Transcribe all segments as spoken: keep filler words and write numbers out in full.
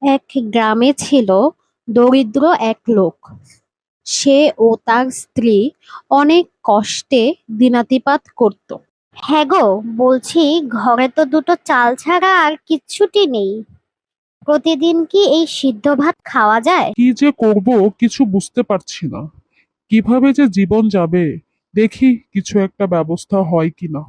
এক গ্রামে ছিল দরিদ্র এক লোক। সে ও তার স্ত্রী অনেক কষ্টে দিনাতিপাত করত। হ্যাঁ গো, বলছি ঘরে তো দুটো চাল ছাড়া আর কিচ্ছুটি নেই। প্রতিদিন কি এই সিদ্ধ ভাত খাওয়া যায়? কি যে করব কিছু বুঝতে পারছি না। কিভাবে যে জীবন যাবে, দেখি কিছু একটা ব্যবস্থা হয় কিনা।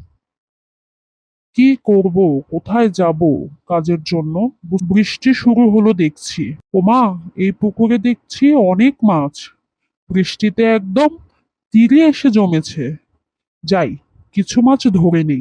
কি করব, কোথায় যাব কাজের জন্য? বু- বৃষ্টি শুরু হলো দেখছি। ওমা, এই পুকুরে দেখছি অনেক মাছ। বৃষ্টিতে একদম তীরে এসে জমেছে। যাই, কিছু মাছ ধরে নেই।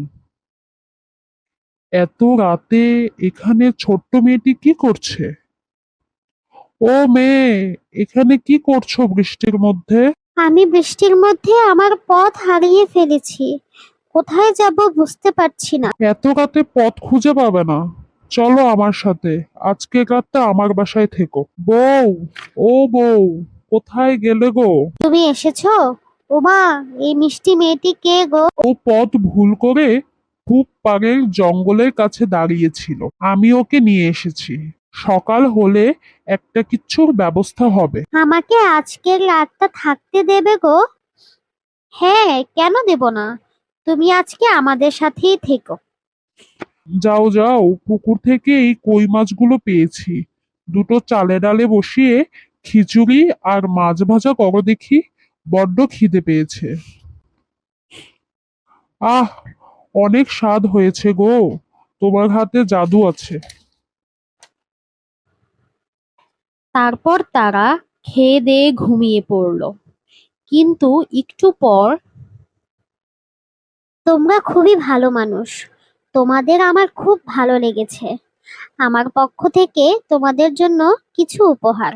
এত রাতে এখানে ছোট্ট মেয়েটি কি করছে? ও মেয়ে, এখানে কি করছো বৃষ্টির মধ্যে? আমি বৃষ্টির মধ্যে আমার পথ হারিয়ে ফেলেছি। কোথায় যাব বুঝতে পারছি না। এত রাতে পথ খুঁজে পাবে না। চলো আমার সাথে, আজকে রাতটা আমার বাসায় থেকো। বউ, ও বউ, কোথায় গেলে গো? তুমি এসেছো? ওমা, এই মিষ্টি মেয়েটি কে গো? ও পথ ভুল করে খুব পাড়ের জঙ্গলের কাছে দাঁড়িয়েছিল। আমি ওকে নিয়ে এসেছি। সকাল হলে একটা কিচ্ছুর ব্যবস্থা হবে। আমাকে আজকের রাতটা থাকতে দেবে গো? হ্যাঁ, কেন দেব না? তুমি আজকে আমাদের সাথেই থেকো। যাও যাও, পুকুর থেকে এই কই মাছগুলো পেয়েছি। দুটো চালে ডালে বসিয়ে খিচুড়ি আর মাছ ভাজা করো দেখি। বড্ড খিদে পেয়েছে। আহ, অনেক স্বাদ হয়েছে গো। তোমার হাতে জাদু আছে। তারপর তারা খেয়ে দেয়ে ঘুমিয়ে পড়ল। কিন্তু একটু পর, তোমরা খুবই ভালো মানুষ। তোমাদের আমার খুব ভালো লেগেছে। আমার পক্ষ থেকে তোমাদের জন্য কিছু উপহার।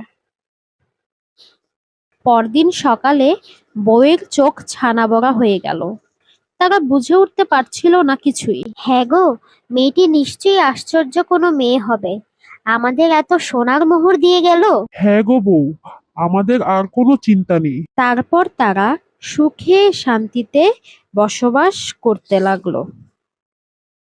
পরদিন সকালে বউয়ের চোখ ছানা বড়া হয়ে গেল। তারা বুঝে উঠতে পারছিল না কিছুই। হ্যাঁ গো, মেয়েটি নিশ্চয়ই আশ্চর্য কোনো মেয়ে হবে। আমাদের এত সোনার মোহর দিয়ে গেল। হ্যাঁ গো বউ, আমাদের আর কোনো চিন্তা নেই। তারপর তারা সুখে শান্তিতে বসবাস করতে লাগলো।